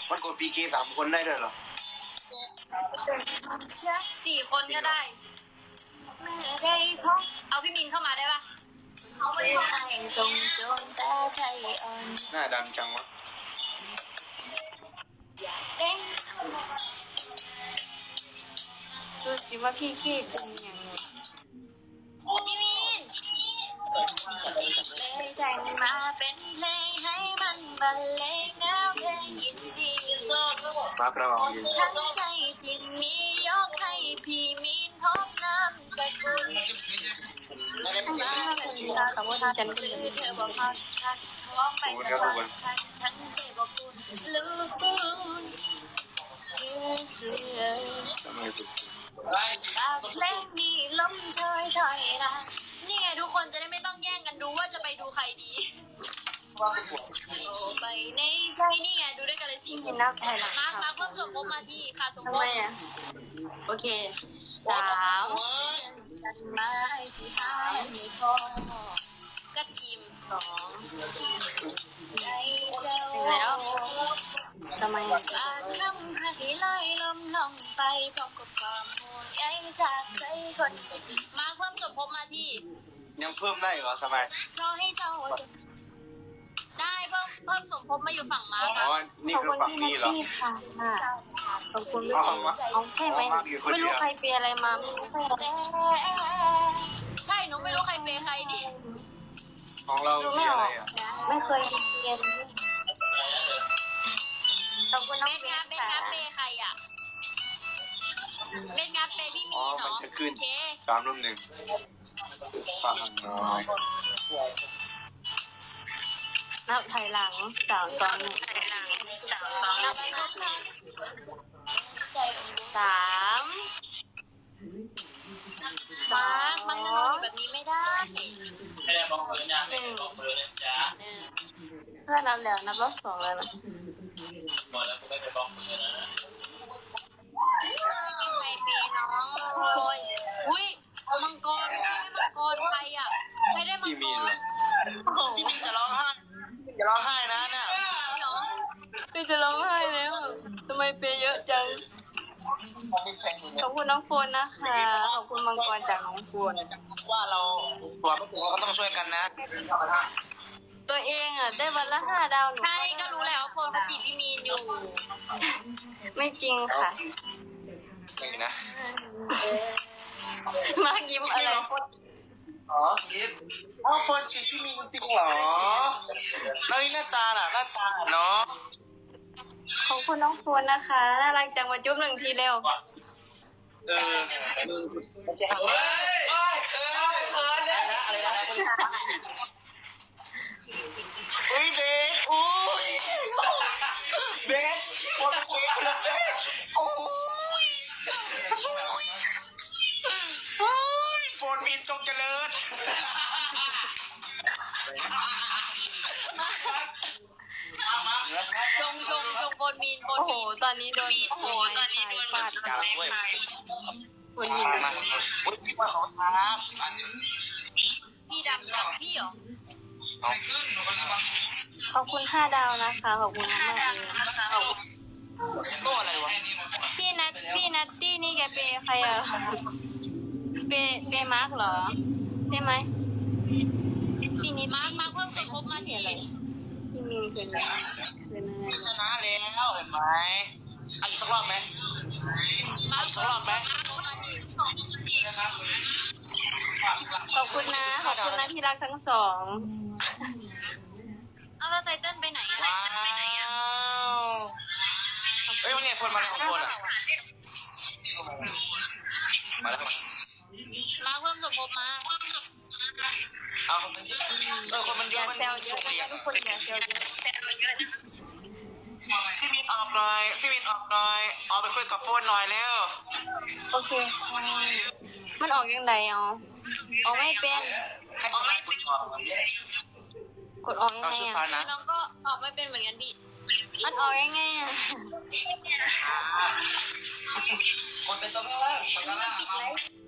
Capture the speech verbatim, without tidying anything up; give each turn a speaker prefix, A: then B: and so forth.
A: มันกดพีเกสามคนได้ด้วยเหรอ
B: สี่คนก็ได้เอาพี่มินเข้ามาได้ปะ
A: หน้าดำจังวะ
C: ดูสิว่าพี่ขี้เป็นยังไง
B: พี่มินเลยแต่งมาเป็นเพลงให้มันบรรเลงแนวเพลงยินดี
A: มาประมาณนี้
B: ทั้งใจที่มียกให้พี่มินพบน้ำสกุลมาเป็นตาคำว่าฉันคือเธอบอกเขาชักท้องไปสวรรค์ฉันทั้งใจบอกคุณลูกคุณเพลงนี้ล้มเชยถอยนะนี่ไงทุกคนจะได้ไม่ต้องแย่งกันดูว่าจะไปดูใครดีไปในใจนี่ไงดูด้วยกันเลยสิ
C: กินน้ำไทยละ
B: มามาเพิ่มสมภพมาที่ค่ะสมภพ
C: โอเคสาม
B: มาสิหาไม่พอกระชิม
C: สอง
B: ใจเจ้า
C: แล้วทำไม
B: ปากคำให้ลอยลมลงไปพร้อมกับความห่วงใยจากใจคนมาเพิ่มสมภพมาที่
A: ยังเพิ่มได้เหรอสมัย
B: รอให้เจ้าได้เพิ่มเพิ่มสมภพมาอยู่ฝั่งมา
A: อ๋อนี่คือฝั่งนี้เหรอ
C: ขอบคุณด้วยเอาแค่ไหมไม่รู้ใครเปย์อะไรมาไม่รู้
B: ใช่หนูไม่รู้ใครเปย์ใครนี่
A: ของเราเปย์อะไรอ่ะ
C: ไม่เคยเรียนขอบคุณน้อง
B: เบสงาเบสงาเปย์ใครอ่ะเบสงาเปย์พี่มีเนาะ
A: มันจะขึ้นสามรุ่มหนึ่งฝั่งน้อย
C: นับถอยหลังสามสองหนึ่งสาม
B: มามันจะนอนอยู่แบบนี้ไม่ได้
D: ไม่ได้บอกเพื่อนนะไม่ได้บอกเพื่อนนะจ๊ะ
C: เพื่อนนับแล้วนับรอบสองเลยมั้ย
D: หมดแล้วกูไม่ไปบอกเพื่อนนะ
B: ใครเปย์น้องโอยอุ้ยมังกรมังกรใครอ่ะใครได้มังกร
A: พี่มินจะร้องไห้จะร้องไห้นะเนี่ย
C: พี่จะร้องไห้แล้วทำไมเปย์เยอะจังขอบคุณน้องโฟนนะคะขอบคุณมังกรจากน้องโฟน
A: ว่าเราตัวพวกเราก็ต้องช่วยกันนะ
C: ตัวเองอ่ะได้วันละห้าดาวหนู
B: ใช่ก็รู้แล้วโฟนเขาจีบพี่มีนอยู่
C: ไม่จริงค่ะ
A: ไม่นะ
C: มายิ้มอะไร
A: อ๋อยิ้มอ๋อโฟนจีบพี่มีนจริงเหรอแล้วหน้าตาล่ะหน้าตาเนาะ
C: ขอบคุณน้องโฟนนะคะน่ารักจังมาจุ๊บหนึ่งทีเร็ว
A: เออมันจะเฮ้ยเฮ้ยเฮ้ยเฮ้ยอะไรนะอะไรนะอุ้ยเบสอุ้ยเบสปวดหัวเลยโอ้ยโอ้ยโฟนมินจงเจริญ
B: จงจงจงบนมีนบนมีน
C: ตอนนี้โดนโอ้โหตอนนี้โดนฟาดกลางเว้ยบนมีน
A: มาอุ้ยพี่ว่าเขาทับ
B: พี่ดำจับพี่เหรอ
C: ขอบคุณห้าดาวนะคะขอบคุณมากเลย
A: ตัวอะไรวะ
C: พี่นัทพี่นัตตี้นี่แกเปย์ใครอ่ะเปย์เปย์มาร์กเหรอใช่ไหมพี่นิด
B: มาร์กมาร์กเพิ่มสมภพมาที่อะไร
C: พี่มีเป็นอะไรเป็นอะไร
A: ชนะแล้วเห็นไหมอันสักรอบไหมอันสักรอบไหม
C: ขอบคุณนะขอบคุณนะที่รักทั้งสอง
B: เอาแล้วไตเติ้ลไปไหนอะ
A: ว้าวเฮ้ยวันนี้คนมาในของคนอ่ะมาแล้ว
B: มาเพิ่มสมภพมา
A: เอาเออคนมันเยอะ
C: มันเยอะนะทุกคนอย่าเซลเยอะ
A: พี่มินออกหน่อยพี่มินออกหน่อยออกไปคุยกับโฟนหน่อยเร็ว
C: โอเคมันออกยังไงอ๋อออกไม่เป็น
A: ออกไม่เป็น
C: กดออกยังไงอ่ะ
B: น้องก็ออกไม่เป็นเหมือนกันพี่
C: มันออกยังไงอ่ะ
A: กดไปตรงนั้นแล้ว
B: อันนี้มันปิดไลฟ์